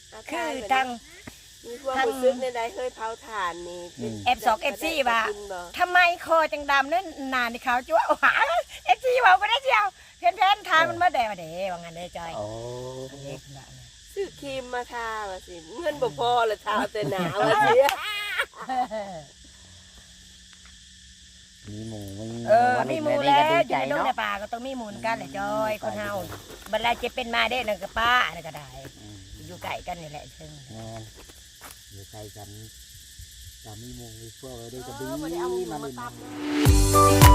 คือทั้งมีพวกผู้ซื้อในใดเคยเผาถ่านนี่ F2 F4 ว่าทำไมคอจังดำนั่นนานที่เขาจ้วหา F4 บอกก็ได้เชียวเพ้นทานมันมาแดดว่างั้นได้จอยซื้อครีมมาทาว่าสิเงินบ่พอละทาแต่หนาว่าสิมีหมูมีมีหมูแล้วอยู่ในดงในป่าก็ต้องมีหมูกันแหละจอยคนเฮาบรรดาจะเป็นมาได้นั่นก็ป้านั่นก็ได้อยู่ไก่กันนี่แหละซึ่งอยู่ใกล้กันจะมีหมูมีพวกอะไรด้วยก็ดีบ่ได้เอาหมูมาตำ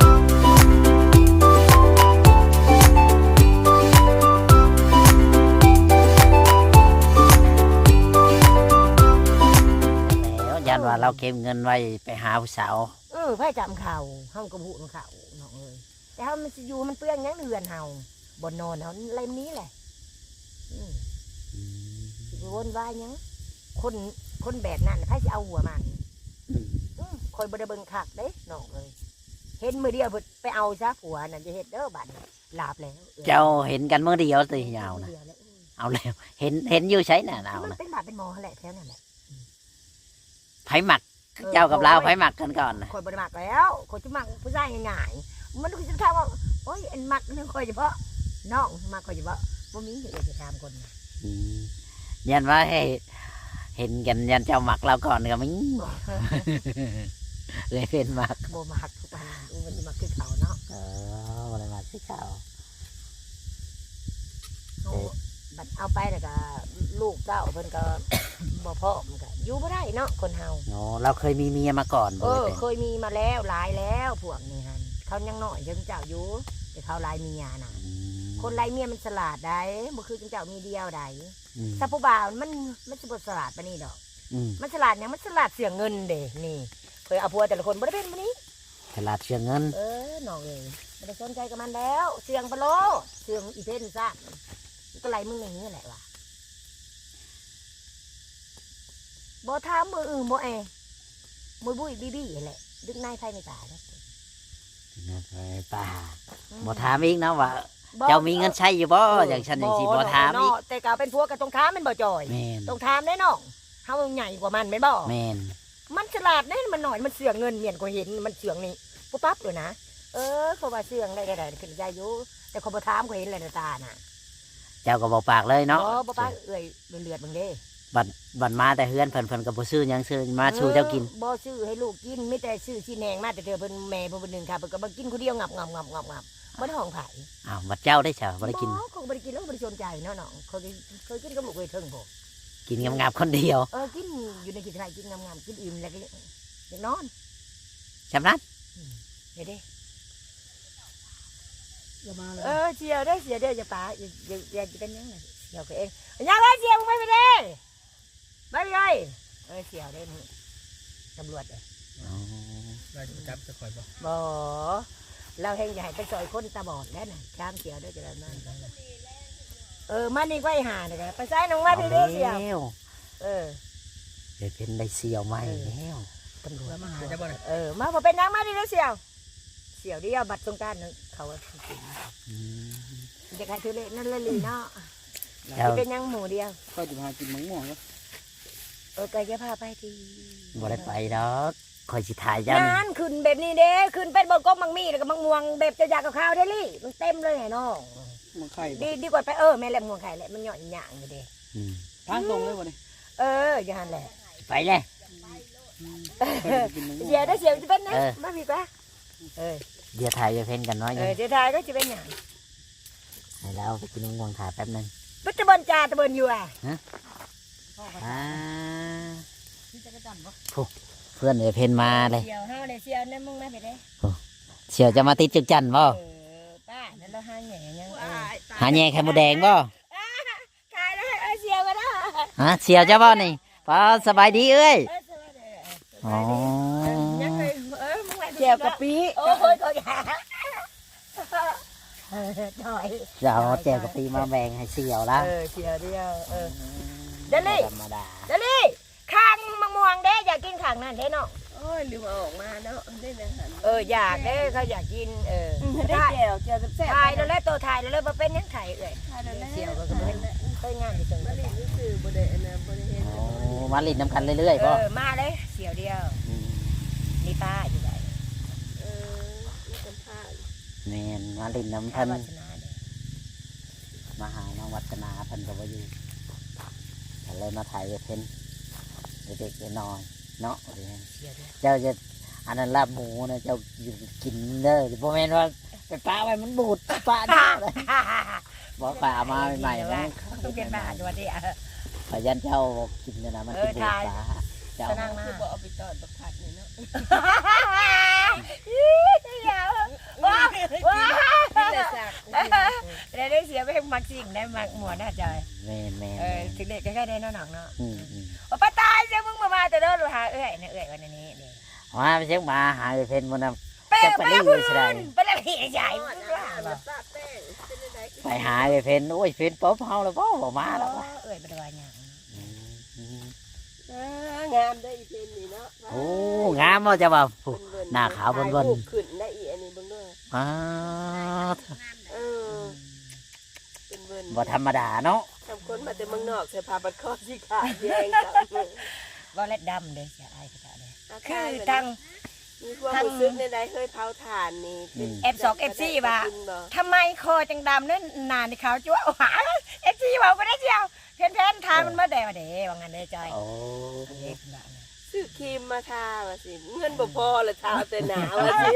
แล้วยันว่าเราเก็บเงินไว้ไปหาผู้สาวไพ่จำเข่าเฮากระบุนเข่าน้องเอ้ยแต่เฮามันสิอยู่มันเปื้อนยังเดือนเฮาบ่นอนเฮาเล่มนี้แหละสิวนวายยังคนแบบนั้นไพ่สิเอาหัวมันคอยบ่ได้เบิ่งคักเด้น้องเอ้ยเห็นมือเดียวไปเอาซะผัวนั่นจะเฮ็ดเด้อบัดลาบแล้วเจ้าเห็นกันเมื่อเดียวสิยาวนะเอาแล้วเห็นอยู่ใช้น่ะเอามันนะเป็นบาดเป็นหมอแหละแถวนั้นแหละไผหมักเจ้ากับเราไผหมักกันก่อนนะคอยบ่ได้มักแล้วคอยจะมักผู้ชายง่ายๆมันคือจะถามว่าโอ้ยอันมักนึงคอยเฉพาะน้องมักคอยเฉพาะบ่มีเดี๋ยวจะถามคนยันว่าให้เห็นกันยันเจ้าหมักเราก่อนก็มิ้งเลยเป็นหมักบ่มักทุกวันมันสิมักคือเขาเนาะอะไรมาที่เขาบัดเอาไปแล้วก็ลูกเต้าเพิ่นก็ บ่พอมันก็อยู่บ่ได้เนาะคนเฮาโอ้เราเคยมีเมียมาก่อนบ่ได้เป็นเคยมีมาแล้วหลายแล้วพวกนี้หั่นเขายังน้อยจังเจ้าอยู่แต่เขาหลายเมียน่ะคนหลายเมียมันฉลาดได้บ่คือจังเจ้ามีเดียวได้ถ้าผู้บ่าวมันสิบ่ฉลาดปานนี้ดอกมันฉลาดหยังมันฉลาดเสียเงินเด้นี่เคยเอาผัวแต่ละคนบ่ได้เป็นปานนี้ฉลาดเชื่อเงินน้องเอ้ยบ่ได้สนใจกับมันแล้วเสียงปะโลเสียงอีเพิ่นซะก็ไล่มึงอย่างนี้แหละว่ะบ่ถามมืออื่นบ่แอมือบุ้ยบี้แหละดึกนายไฟในตาเด้อไปป่าบ่ถามอีกนะว่าเจ้ามีเงินใช้อยู่บ่อย่างฉันอย่างสิบ่ถามอีกแต่ก็เป็นพวกกับตรงถามมันบ่จ่อยแม่นตรงถามได้น้องเฮาใหญ่กว่ามันแม่นบ่แม่นมันฉลาดเด้มันหน่อยมันเสืองเงินเมียนก็เห็นมันเสืองนี่ปุ๊บปั๊บเลยนะเขาว่าเสืองได้ขึ้นใจอยู่แต่เขาบ่ถามก็เห็นแล้วในตาน่ะเจ้าก็บ่ปากเลยเนาะบ่ปากเอ้ยเลือดมึงเด้บัดมาแต่เฮือนเพิ่นก็บ่ซื้อหยังซื้อมาชูเจ้ากินบ่ซื้อให้ลูกกินไม่แต่ซื้อสิแหนงมาแต่เธอเพิ่นแม่เพิ่นนึงค่ะเพิ่นก็บ่กินคนเดียวงับบ่ได้ห้องไผอ้าวบัดเจ้าได้เฉาบ่ได้กินคงบ่ได้กินแล้วบ่ได้สนใจเนาะน้องเคยกินกับลูกเคยเทิงบ่กินงับๆคนเดียวกินอยู่ในกิจการกินงามๆกินอิ่มแล้วก็อยากนอนชำนั้นเด้อย่ามาเลยเสียวได้เสียเด้ออย่าป๋าอย่าเป็นยังไงเสียวก็เองอย่าไว้เสียวมึงไปเด้ไปเลยเสียวได้นี่ตำรวจเราจะจับจะคอยบ่บ่เราเฮงใหญ่ไปซอยคนตาบอดแล้วน่ะชามเสียวด้วยจะได้มันมันนี่ก็ไอ้ห่าเนี่ยไปใส่น้องมาพี่เด้เสียวเดี๋ยวเป็นได้เสียวใหม่แล้วตำรวจมาหาจะบ่เนี่ยมาพอเป็นนางมาพี่เด้เสียวเสียวเดียวบัตรสงการนึงเขาจะการซื้อเล่นั่นเลยลีเนาะเป็นยังหมูเดียวก็จะพากินมะม่วงก็ก็จะพาไปทีบ่ได้ไปดอกคอยสิถ่ายเจ้านี่งานขึ้นแบบนี้เด้ขึ้นเป็นบนก้มมังมีแล้วก็มังม่วงแบบจะอยากกับข้าวได้ลี่มันเต็มเลยไงน้องมันไข่ดีกว่าไปแม่แหลมม่วงไข่แหละมันหย่อนหย่างอยู่เด้ทางตรงเลยบ่เนี่ยอย่างนั้นแหละไปเลยกินมะม่วงเสียได้เสียจะเป็นนะมาพี่ปะเดี๋ยวถ่ายจะเพ้นกันน้อยยังเสียทายก็จะเป็นอย่างให้เราไปกินง่วงถ่ายแป๊บนึงปัจจุบันจ่าตะเบินอยู่เพื่อนเดี๋ยวเพ้นมาเลยเสียวเฮาเลยเสียวนั่นมึงมาไปได้เสียวจะมาติดจึกจันบ่ป้าแล้วเราหาแหน่ยังหาแย่ไข่มดแดงบ่ขายได้เสียวก็ได้ฮะเสียวจะบ่นี่พอสบายดีเอ้ยอ๋อเสียวกะปิโอ้ยก็อย่าถอยจะเอาแจวกะปิมาแบ่งให้เสียวละเสียวเดียวเดลี่ธรรมดาเดลี่ข้างมะม่วงเด้อยากกินข้างนั่นเด้เนาะโอ้ยลืมเอาออกมาเนาะได้อาหารอยากเด้อเขาอยากกินได้แก้วแก้วแซ่บๆถ่ายแล้วแล้วตัวถ่ายแล้วแล้วบ่เป็นหยังไข่เอ้ยถ่ายแล้วแล้วเสี่ยวก็บ่เป็นเคยงานที่จังหบ่วัดได้ซื้อบ่ได้อันน่ะบ่ได้เฮ็ดโอ้มาลิ้นน้ำกันเรื่อยๆบ่มาเลยเสี่ยวเดียวมนี่ป้าอยู่ไหนมีสัมภาษณ์แม่นมาลิ้นน้ำท่าเพิ่นวัฒนาเนี่ยมาหาน้องวัฒนาเพิ่นก็บ่อยู่ก็เลยมาถ่ายเพิ่นเด็กๆน้อยๆเนาะเสี่ยวเดียวเจ้าจะอันนั้นลาบหมูนะเจ้าอยู่กินเด้อบ่แม่นว่าไปป้าไว้มันบูดป้าเด้อเลยบ่ป้ามาใหม่ๆนะต้องเป็นบ้าจังหวัดนี้พยันเจ้ากินเนี่ยนะมันกินบูดป้าเจ้าสนั่งมาคือบ่เอาไปตอดบักผัดนี่เนาะเสี่ยวว้าวว้าวนี่แหละสักได้เสียไปมักสิ่งได้มักหมวดน่าจอยแม่นถึงเด็กก็ได้น้องเนาะอืมว่าป้าตายเสียมึงมาแต่เด้อหาเอ้ยเนี่ยเอ้ยวันนี้เด้ว่าไปเช็คมาหาเพิ่นบ่นำไปจะไปรีวิวสิได้ไปแล้วพี่ใหญ่ทอดมึงอาว่าหารบ่ปะแป้งเป็นจังได๋ไปหาเพิ่นโอ้ยเพิ่นป๊อบเฮาแล้วบ่มาแล้วเอ้ยบ่ได้ว่าหยังงามได้อีเพนนี่เนาะโอ้งามบ่จะว่าผู้เบิ่นๆหน้าขาวเบิ่นๆถ่ยรูปขึ้นได้อีอันนี้เบิ่งเด้ออ้าเออเป็นเบิ่นบ่ธรรมดาเนาะทำคนมาแต่เมืองนอกใส่ผ้าบัดคอสีขาวแดงกับบ่เล็ดดำเด้เสียอายก็ได้คืคืออทั้งมีความรู้สึกในใดเคยเผาถ่านนี่เป็น F2 F4 ว่ากินบ่ทำไมคอจังดำนั่นนานนี่เขาจั่วหาเอฟซีเว้าบ่ได้เจียวเพิ่นทานมันมาได้ว่าเด้ว่างั้นเด้จอยโอ้ซื้อครีมมาทาว่าสิเงินบ่พอละทาแต่หนาวว่าสิ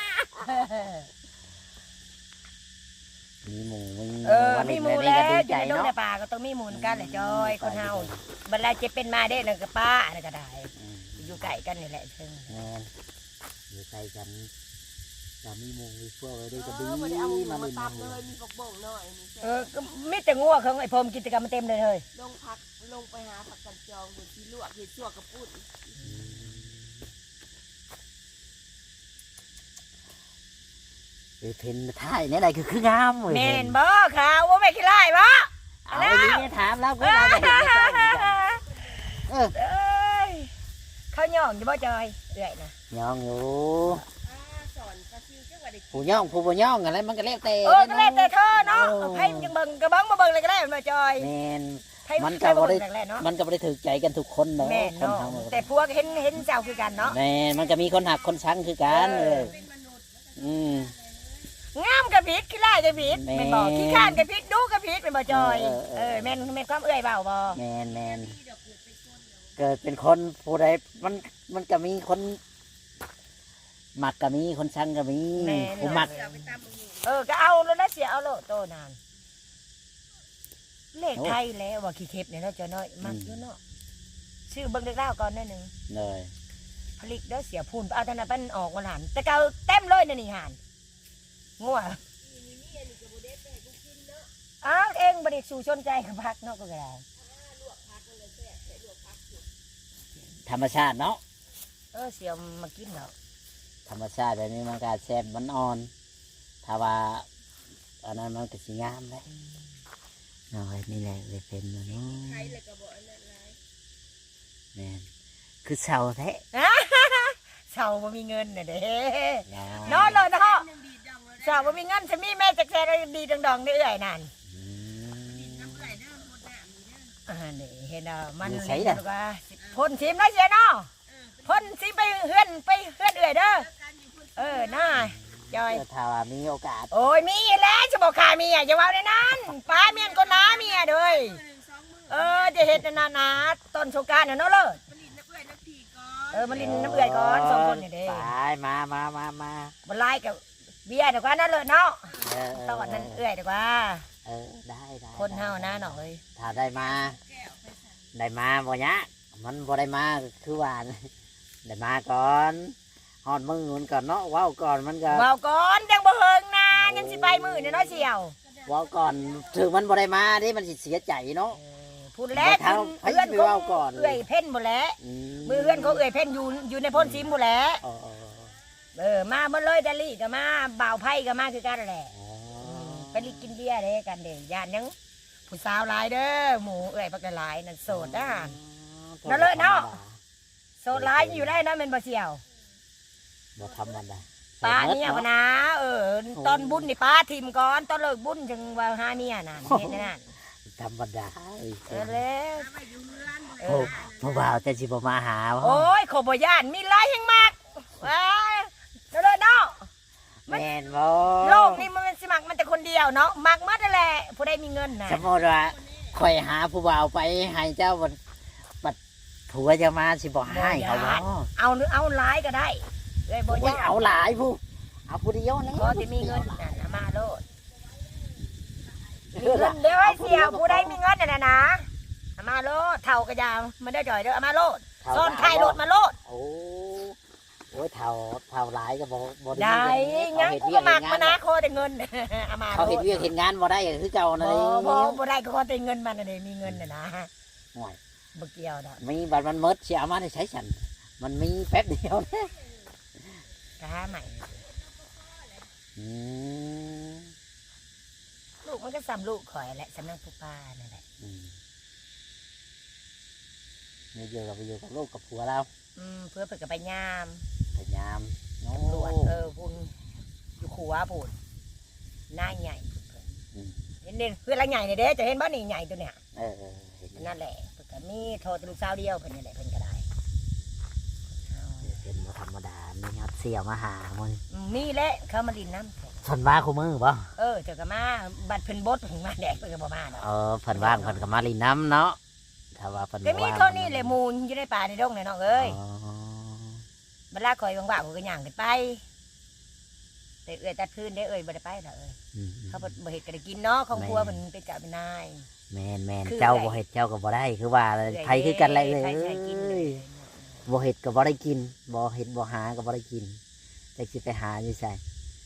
มีหมูมีหมูแล้วอยู่ในดงในป่าก็ต้องมีหมูกันแหละจอยคนเฮาบัดแล้วจะเป็นมาได้นั่นก็ป้านั่นก็ได้อยู่ใกล้กันนี่แหละเชิงแม่นอยู่ใกล้กันจะมีหมูมีพวกอะไรด้วยก็ดีบ่ได้เอาหมูมามาเล่นตับหมูเลยมีปกบ่งหน่อยนี่แซ่บก็มีแต่งัวของไอ้พรมกิจกรรมมันเต็มเลยเฮ้ยลงไปหาผักกันจองอยู่ที่ลวกเฮ็ดชั่วกระปุ้นเพนท่ายเนี่ยอะไรคืองามเว้ยแม่นบ่ขาวว่าแม่ขี้ไล่บ่เอาไปนี่ถามแล้วก็เราไปเห็นในจอยเหมือนกันเออเอ้ยเขาย่องอยู่บ่จอยเอื้อยนะย่องอยู่สอนปลาซิวจังว่าได้ผู้ย่องผู้บ่ย่องอะไรมันก็แล้วแต่ก็แล้วแต่เธอเนาะไผมันจังเบิ่งก็เบิ่งบ่เบิ่งเลยก็ได้มาจอยแม่นไผมันก็บ่ได้แรกๆเนาะมันก็บ่ได้ถูกใจกันทุกคนเนาะแม่นคนเนาะเฮาแต่พวกเห็นเจ้าคือกันเนาะแม่นมันก็มีคนหักคนชังคือกันเลยอืมงามกับผิดขี้ไล่กับผิดแม่นแม่นบอกขี้ข้านกับผิดดูกับผิดแม่นบ่จอยเออแม่นความเอื้อยเบาบ่แมนเกิดเป็นคนผู้ใดมันก็มีคนหมักก็มีคนชังก็มีผู้หมักก็เอาแล้วนะเสียเอาโลดโตนานเลขไทยแล้วว่าขี้เข็บเนี่ยเนาะจอยน้อยมักอยู่เนาะชื่อเบิ่งเด็กเล่าก่อนหนิดนึงเลยผลิตเด้อเสียพูนเอาธนาปันออกมาหันแต่เก่าเต็มเลยนะนี่หันงัวอ้าวเองบริสู่ชนใจกับพักเนาะก็ได้ธรรมชาติเนาะเสียมากินเนาะธรรมชาติแบบนี้มันก็แซ่บมันอ่อนถ้าว่าอันนั้นมันก็สิงามเลยเอาไว้นี่แหละเลยเป็นเนาะใครเลยก็บ่อันนั้นหลายแมนคือเสาแท้เสาบ่มีเงินน่ะเด้เนาะนอนเลยเนาะยังดีดังแล้วเสาบ่มีเงินจะมีแม่จักแซ่ดีดองๆได้เอื้อยนั่นอืมน้ำไหลเด้อหมดน้ำนี่เด้อนี่เห็นอ่ะมันมีใส่ล่ะว่าพ่นชิมได้เสียเนาะพ่นชิมไปเฮือนเอื้อยเด้อน่าจอยถ้าว่ามีโอกาสโอ้ยมีแล้วจะบอกขาเมียอย่าว่าในนั้นป้าเมียนก็น้าเมียเด้ยจะเห็ดนานาต้นโชกรารเนาะเลิศผลิตน้ำเอื้อยน้ำผีก่อนมันลินน้ำเอื่อยก่อนสองคนนี่เด้ตายมาบันไล่กับเบียร์ดีกว่านั่นเลยเนาะเออตอนนั้นเอื่อยดีกว่าได้คนเฮานะหน่อยถ้าได้มาบ่ยะมันบ่ได้มาคือว่าได้มาก่อนฮอดมือมันก่อนเนาะว้าวก่อนมันก็เบาก่อนยังบ่เฮิงนะยังสิไปมือเนี่ยน้อยเชียวว้าวก่อนถึงมันบ่ได้มาดิมันสิเสียใจเนาะพูดแล้วบ่เท่าเพื่อนให้ไปเขาเว้าก่อนเอื่อยเพ่นหมดแล้วมือเพื่อนเขาเอื่อยเพ่นอยู่ในพ่นซิมหมดแล้ว มาเมื่อเลยดาลี่ก็มาบ่าวไพ่ก็มาคือกันแหละไปลิกินเบียร์เด้กันเด้ยานยังผู้สาวหลายเด้อหมูเอื่อยปักหลายนั่นโสดนะ นั่นเลยเนาะ โสโซลายอยู่ได้นะแม่นบ่เสี่ยวบ่ธรรมดาป้าเนี่ยพะนะตอนบุญนี่ป้าทิมก่อนตอนเลิกบุญจึงว่าหาเมียน่ะเห็นนั่นธรรมดาแล้วผู้บ่าวแต่สิบ่มาหาบ่โอ้ยขบ่ย่านมีหลายแห่งมากว้ายเด้อเนาะแม่นบ่โลกนี้มันสิมักมันแต่คนเดียวเนาะมักหมดนั่นแหละผู้ใดมีเงินน่ะสมมุติว่าข่อยหาผู้บ่าวไปให้เจ้าบัดผัวจะมาสิบ่ให้เขาบ่เอาหลายก็ได้เอ้ยบ่โอ้ยย่านเอาหลายผู้เอาผู้เดียวนะพอที่มีเงินน่ะเอามาโลดมีเงินเดี๋ยวให้เสี่ยวผู้ใดมีเงินน่ะนะเอามาโลดเท่าก็ยาวมันได้จ่อยเด้อเอามาโลดซ่อนไข่โลดมาโลดโอ้โอ้ยเท่าหลายก็บ่ได้เงิงั้นกูก็มักมานะขอแต่เงินเอามาเขาเฮ็ดเวียกเฮ็ดงานบ่ได้คือเจ้านั่นเองบ่ได้ก็ขอแต่เงินมันน่ะเด้มีเงินน่ะนะห่วยบ่เกี่ยวดอกมีบัตรมันหมดสิเอามาได้ใช้ฉันมันมีแป๊บเดียวนะก็หาใหม่อืมลูกมันก็ซ้ำลูกข่อยแหละสำนักผู้ป้านั่นแหละอืมเนี่ยอยู่กับลูกกับผัวเราเพื่อเพิ่นก็ไปยามพยายามโอ้ตำรวจพุ่นอยู่ขัวพุ่นหน้าใหญ่เห็นเพื่อนละใหญ่นี่เด้จะเห็นบ่นี่ใหญ่ตัวเนี้ยเออเห็นนั่นแหละเพิ่นก็มีโทรแต่ลูกสาวเดียวเพิ่นนี่แหละเพิ่นก็ได้เป็นบ่ธรรมดามีครับเสี่ยวมาหามึงมีแหละเขามาดินน้ำแข็งเพิ่นว่าคู่มือบ่เจ้าก็มาบัดเพิ่นบดเพิ่นมาแดกเพิ่นก็บ่มาเนาะเพิ่นว่างเพิ่นก็มาลินน้ำเนาะถ้าว่าเพิ่นก็มีว่างเท่านี้แหละหมูนอยู่ในป่าในดงเนี่ยน้องเอ้ยอ๋อเวลาข่อยว่างๆข่อยก็ย่างขึ้นไปแต่เอ้ยตัดพื้นได้เอ้ยบ่ได้ไปดอกเอ้ยอืมเขาบ่เฮ็ดก็ได้กินเนาะของครัวเพิ่นเป็นกะเป็นนายแม่นคือเจ้าไงบ่เฮ็ดเจ้าก็บ่ได้คือว่าไผคือกันแหละเอ้ใครใช้กินเลยยบ่เฮ็ดก็บ่ได้กินบ่เฮ็ดบ่หาก็บ่ได้กินแต่สิไปหาอยู่ไส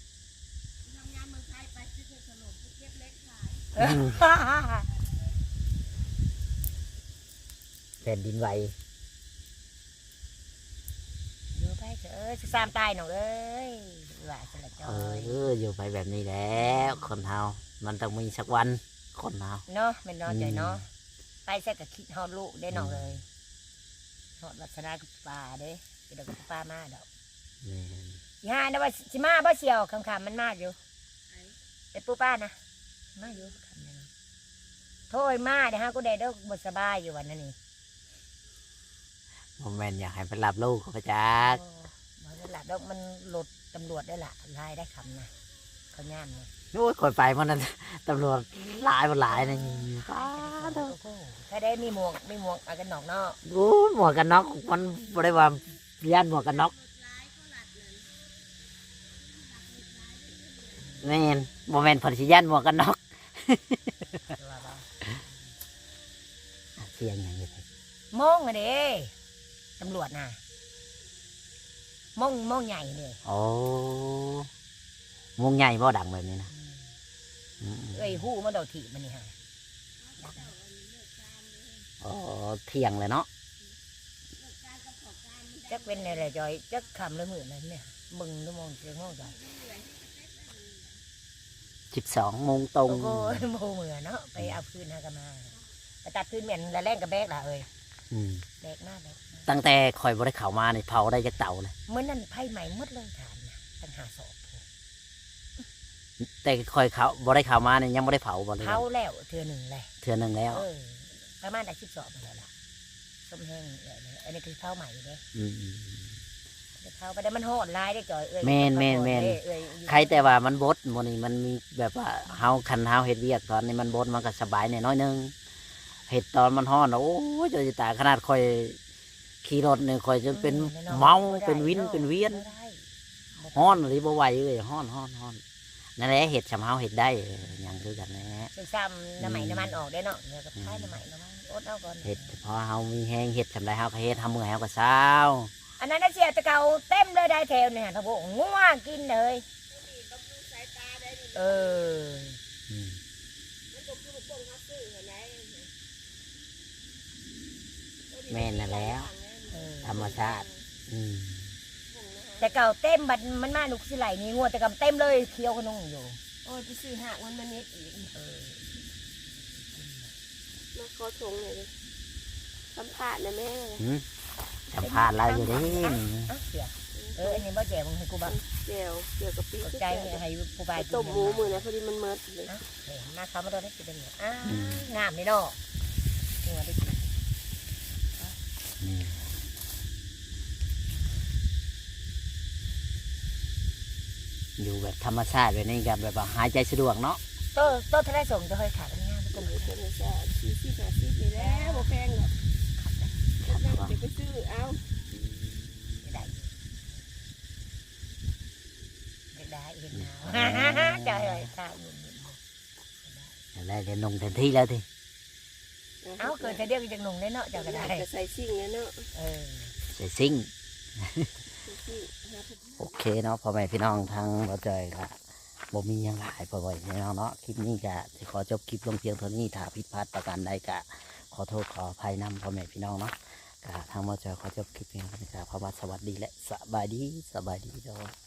แผ่นดินไหวอยู่ไปเถอะสิสามตายน้องเอ้ยว่าสละจอยอยู่ไปแบบนี้แล้วคนเฮามันต้องมีสักวันคนเฮาเนาะแม่นเนาะใจเนาะไปแซ่ก็คิดฮอดลูกได้น้องเลยฮอดวัฒนากับป่าเด้เดี๋ยวกับป้ามาดอกแม่นสิหานะว่าสิมาบ่เชียวคำๆมันมาอยู่แต่ปู่ป้านะมาอยู่คำนึงโทษมาเดี๋ยวฮะกูได้เด้อบ่สบายอยู่วันนั้นนี่บ่แม่นอยากให้ไปรับลูกเขาไปจักมันหลับแล้วมันหลุดตำรวจได้ละลายได้คำนะเขาย่ามนะโอ้ยคนไปมันนั้นตำรวจหลายบ่หลายนี่ป้าดอกถ้าได้มีหมวกเอากันหนอกเนาะโอ้ยหมวกกันน็อกมันบ่ได้ว่าย่านหมวกกันน็อกแม่นบ่แม่นเพิ่นสิย่านหมวกกันน็อกเสียงหยังอยู่ไสมองอะเด้ตำรวจน่ะมองใหญ่เลยโอ้วงใหญ่บ่ดังแบบนี้นะอืมเอ้ยหู้มันเดาถีบมันนี่ฮะอ๋อเที่ยงเลยเนาะจักเป็นอะไรจอยจักคำเลยมือนั่นเนี่ยมึงดูมองเสียงมองจอย 12 โมงตรงโอ้ยโมเหมือเนาะไปเอาพื้นหากนมาไปตัดพื้นเหม็นแล้วแรงกับแบกล่ะเอ้ยอืมแบกมากเลยตั้งแต่ข่อยบ่ได้เข้ามานี่เผาได้จักเต่าเลยเมื่อนั้นไพ่ใหม่หมดเลยฐานนะตั้งหาศพแต่ข่อยเขาบ่ได้เข้ามานี่ยังบ่ได้เผาบ่เลยเผาแล้วเทือหนึ่งเลยเทื่อนึงแล้วประมาณได้12มาแล้วล่ะส้มแห้งเลยอันนี้คือเผาใหม่เด้อืมเผาไปได้มันโหดร้ายได้จ่อยเอ้ยแม่นเอ้ยใครแต่ว่ามันบดมื้อนี้มันมีแบบว่าเฮาคันเฮาเฮ็ดเวียกตอนนี้มันบดมันก็สบายแน่น้อยนึงเฮ็ดตอนมันร้อนโอ้ยจะตายขนาดข่อยขี่รถนี่ข่อยจนเป็นเมาเป็นวินเป็นเวียนร้อนหรือบ่ไหวเลยร้อนนั่นแหละเฮ็ดสำเฮาเฮ็ดได้หยังคือกันแหละซึ่งซ้ำน้ำใหม่น้ำมันออกได้เนาะเดี๋ยวก็ใช้น้ำใหม่น้ำมันอดเอาก่อนเฮ็ดพอเฮามีแฮงเฮ็ดสำไรเฮาก็เฮ็ดเฮาเมื่อยเฮาก็เศร้าอันนั้นน่ะเสียตะเกาเต็มเลยได้แถวเนี่ยทั้งพวกงัวกินเลยเอออืมแม่นนั่นแหล้ว ธรรมชาติ อืมแต่เก่าเต็มบัดมันมาหนุกสิไหลนี่งัวแต่กำเต็มเลยเคี้ยวขนมอยู่โอ้ยไปซื้อหักมันมาเน็ตอีกมาขอชงเลยดิสัมภาษณ์นะแม่เลยหืมใจสัมภาษณ์เราอยู่เด้อ่ะเสียอันนี้บ่แจกมึงให้กูบ้างแจ่วเกี่ยวกับปีใจให้ผู้บายต้มหมูมือนะพอดีมันเมิดเลยมาเขามาโดนได้กินเป็นงามนี่เนาะนี่ว่าได้กินนี่อยู่แบบธรรมชาติแบบนี้กับแบบว่าหายใจสะดวกเนาะโตทะเลส่งจะเคยขายเป็นงามก็เลยจะจะ40 50นี่แหล้วบ่แพงหรอกเดี๋ยวไปซื้อเอาได้เห็นหนาวจะให้ข้าวอยู่ได้เดี๋ยวนงเต็มที่แล้วทีเอาเกิดจะเดียวจะหนุ่งได้เนาะจะก็ได้จะใส่ซิ่งแล้วเนาะใส่ซิ่งโอเคเนาะพ่อแม่พี่น้องทางเราเจอละบ่มีหยังหลายพ่อแม่พี่น้องเนาะคลิปนี้ก็จะขอจบคลิปลงเพียงเท่านี้ถ้าผิดพลาดประการใดก็ขอโทษขออภัยนำพ่อแม่พี่น้องเนาะก็ทางเราเจอขอจบคลิปเพียงเท่านี้ก็ขอว่าสวัสดีและสบายดีเด้อ